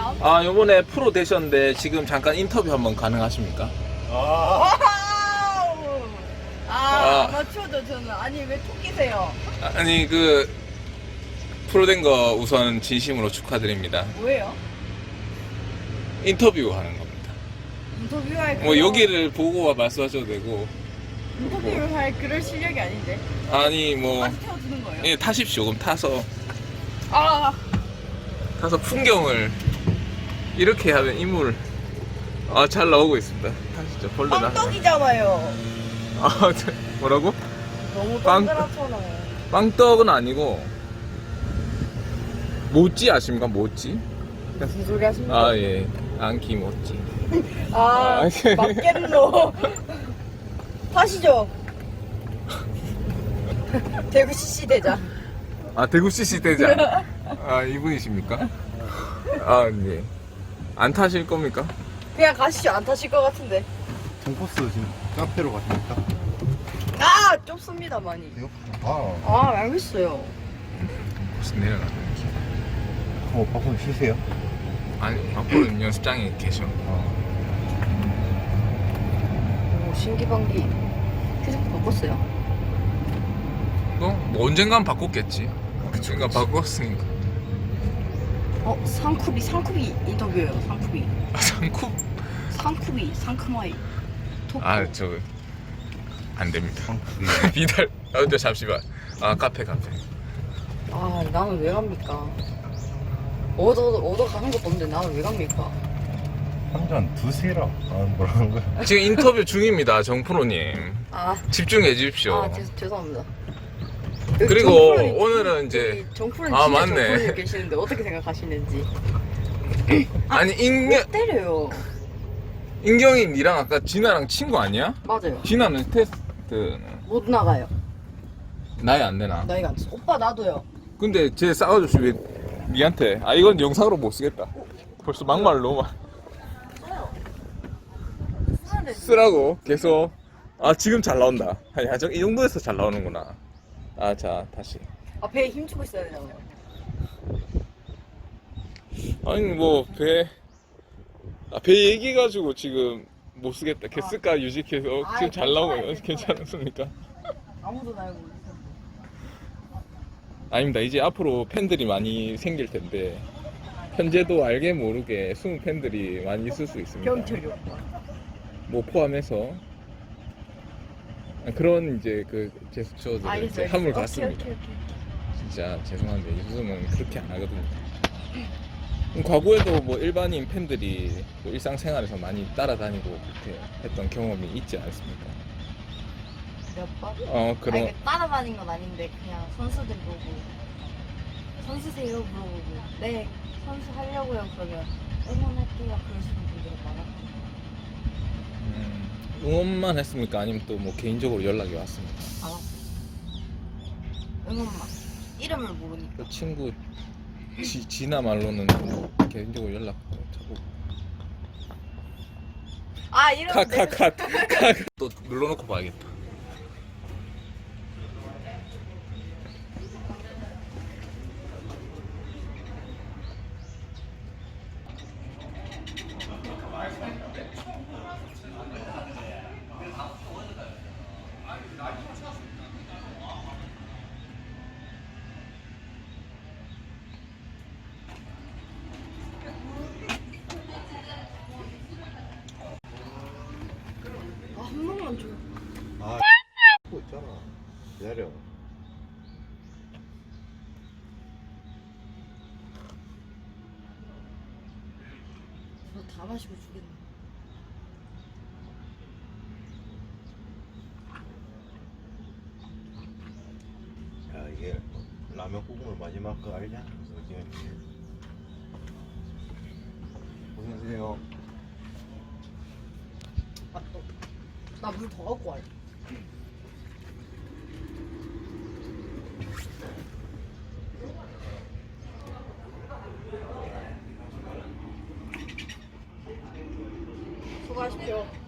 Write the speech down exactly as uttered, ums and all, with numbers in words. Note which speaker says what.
Speaker 1: 아,
Speaker 2: 아, 요번에 프로 되셨는데 지금 잠깐 인터뷰 한번 가능하십니까?
Speaker 3: 아,
Speaker 1: 와우! 아,
Speaker 2: 아.
Speaker 1: 아마추어죠, 저는. 아니, 왜 토끼세요?
Speaker 2: 아니, 그 프로 된 거 우선 진심으로 축하드립니다.
Speaker 1: 뭐예요?
Speaker 2: 인터뷰 하는 겁니다.
Speaker 1: 인터뷰할
Speaker 2: 뭐
Speaker 1: 그런-
Speaker 2: 여기를 보고 말씀하셔도 되고,
Speaker 1: 인터뷰를 할 그럴 실력이 아닌데.
Speaker 2: 아니 뭐
Speaker 1: 아직 태워주는 거예요?
Speaker 2: 예, 타십시오. 그럼 타서
Speaker 1: 아,
Speaker 2: 타서 풍경을 이렇게 하면 인물 아, 잘 나오고 있습니다. 타시죠. 벌레 나.
Speaker 1: 빵떡이잖아요.
Speaker 2: 아, 뭐라고?
Speaker 1: 너무
Speaker 2: 빵-
Speaker 1: 동그랗잖아요.
Speaker 2: 빵떡은 아니고 모찌 아십니까? 모찌?
Speaker 1: 무슨 소리 하십니까?
Speaker 2: 아, 예. 안기 모찌.
Speaker 1: 아,
Speaker 2: 아,
Speaker 1: 맞겠노. 타시죠. 대구 씨씨 대장.
Speaker 2: 아, 대구 씨씨 대장. 아, 이분이십니까? 아, 네. 안 타실 겁니까?
Speaker 1: 그냥 가시죠. 안 타실 것 같은데.
Speaker 3: 정코스 지금 카페로 가십니까?
Speaker 1: 아, 좁습니다, 많이.
Speaker 3: 이거 아,
Speaker 1: 아, 알겠어요.
Speaker 2: 무슨 내려가는
Speaker 3: 어, 박수 쉬세요.
Speaker 2: 아니, 앞으로는 연습장에 계셔.
Speaker 3: 아,
Speaker 1: 오, 신기방기. 휴대폰 바꿨어요.
Speaker 2: 뭐, 뭐 언젠간 바꿨겠지. 언젠간 바꿨으니까.
Speaker 1: 어, 상쿠비, 상쿠비 인터뷰예요, 상쿠비.
Speaker 2: 아, 상쿠?
Speaker 1: 상쿠비, 상크마이. 토크.
Speaker 2: 아, 저, 안 됩니다.
Speaker 3: 성풀이.
Speaker 2: 비달, 아, 근데 잠시만. 아, 카페, 카페.
Speaker 1: 아, 나는 왜 갑니까? 얻어, 얻어 가는 것도 없는데 나는 왜 갑니까?
Speaker 3: 한잔 드세라. 아, 뭐라는 거야?
Speaker 2: 지금 인터뷰 중입니다, 정프로님.
Speaker 1: 아,
Speaker 2: 집중해 주십시오.
Speaker 1: 아, 죄, 죄송합니다.
Speaker 2: 그리고
Speaker 1: 정프로님,
Speaker 2: 오늘은 이제-
Speaker 1: 정프로님
Speaker 2: 아,
Speaker 1: 진짜
Speaker 2: 맞네.
Speaker 1: 정프로님 계시는데 어떻게 생각하시는지.
Speaker 2: 아니, 인경,
Speaker 1: 왜 때려요?
Speaker 2: 인경이 니랑 아까 진아랑 친구 아니야?
Speaker 1: 맞아요.
Speaker 2: 진아는 테스트는
Speaker 1: 못 나가요.
Speaker 2: 나이 안 되나?
Speaker 1: 나이가 안 차. 오빠 나도요.
Speaker 2: 근데 쟤 싸가지고 왜 니한테 아 이건 영상으로 못 쓰겠다. 벌써 막말을 너무 많이
Speaker 1: 쓰는데
Speaker 2: 쓰라고 계속. 아, 지금 잘 나온다. 아니, 아, 저- 이 정도에서 잘 나오는구나. 아, 자, 다시.
Speaker 1: 아, 배에 힘주고 있어야 되잖아요.
Speaker 2: 아니 뭐 배, 아, 배 얘기해가지고 지금 못 쓰겠다. 걔 쓸까 유지해서
Speaker 1: 아,
Speaker 2: 지금 잘 나오고
Speaker 1: 괜찮아요,
Speaker 2: 있- 괜찮습니까?
Speaker 1: 아무도 날 모르겠어.
Speaker 2: 아닙니다. 이제 앞으로 팬들이 많이 생길 텐데 현재도 알게 모르게 숨은 팬들이 많이 있을 수 있습니다.
Speaker 1: 경철이 오빠.
Speaker 2: 뭐 포함해서 그런 이제 그 제스처들을 이제
Speaker 1: 알겠어요.
Speaker 2: 함을
Speaker 1: 오케이,
Speaker 2: 갔습니다.
Speaker 1: 오케이, 오케이.
Speaker 2: 진짜 죄송한데 요즘은 그렇게 안 하거든요. 음, 과거에도 뭐 일반인 팬들이 뭐 일상생활에서 많이 따라다니고 그렇게 했던 경험이 있지 않습니까?
Speaker 1: 몇 번?
Speaker 2: 어,
Speaker 1: 아,
Speaker 2: 그런
Speaker 1: 이게 따라다닌 건 아닌데 그냥 선수들 보고 선수세요 물어보고 네 선수 하려고요 그러면 응원할게요 그러시는 분들이 많아.
Speaker 2: 음, 응원만 했습니까? 아니면 또 뭐 개인적으로 연락이 왔습니까?
Speaker 1: 안 왔어. 응원만. 이름을 모르니까.
Speaker 2: 그 친구 지, 지나 말로는 뭐 개인적으로 연락 자꾸
Speaker 1: 아 이름
Speaker 2: 컷컷컷컷또 눌러놓고 봐야겠다.
Speaker 1: 아한 번만 줘.
Speaker 3: 아, 고 있잖아. 기다려.
Speaker 1: 너 다 마시고 주겠네.
Speaker 3: 야, 이게 라면 국물 마지막 거 알냐? 그래서 지금 고생하세요.
Speaker 1: 아, 나 물 더 갖고 와요. 수고하십시오.